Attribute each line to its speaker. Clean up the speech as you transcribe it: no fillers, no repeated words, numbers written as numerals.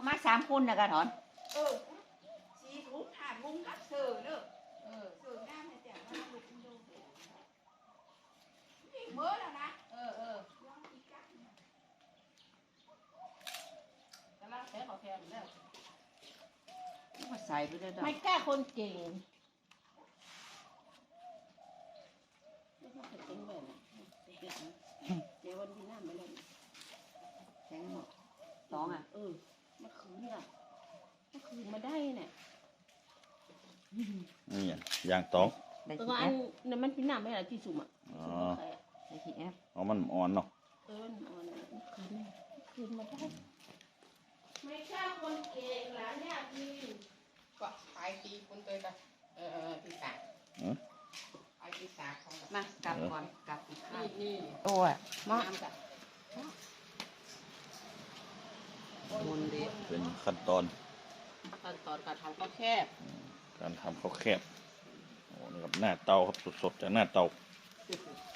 Speaker 1: เขามา3 คนนะกะถอน
Speaker 2: ชีทุกถาดมุ้งกับเสือเนอะเสือหน้าเนี่ยแต่ว่าลูกมันดูนี่เมื่อแล้วนะย่องอีกกั๊กแต่ละแค่ขอแค่แล้ว
Speaker 1: มาใส่ไปเลยดอก
Speaker 2: ไม่กล้าคนเก่งไม่ต้องเก่งแบบนั้นเดี๋ยววันที่หน้ามาเล่น
Speaker 1: แข็งหมด2อ่ะ
Speaker 2: เมื่อคืนมาได้เนี่ย
Speaker 3: นี่ย่างตอง
Speaker 1: ได้
Speaker 2: ตัว
Speaker 1: ที่
Speaker 2: อั
Speaker 1: แอน ป
Speaker 2: นั้นมันเป็นหน้าไม่อะไรที่สุ่มอ่ะ
Speaker 3: อ๋อ
Speaker 1: ได้ที่แอป
Speaker 3: เอามันอ่อนเนาะ
Speaker 2: คืนมาได้ไม่ใช่คนเก่งหลานเนี่ยพี่ก็ขายตีคนเตยกันที่สามขายที่สามของ
Speaker 1: มากลับก่อนกลับอีกข้าว
Speaker 2: นี่
Speaker 1: โอ้ย
Speaker 2: มาทำกัน
Speaker 1: มุนดี
Speaker 3: เป็นขั้นตอน
Speaker 2: ขั้นตอนการทำก็แคบ
Speaker 3: การทำข้าวแคบโอ้นี่ครับหน้าเตาครับสดๆจากหน้าเตา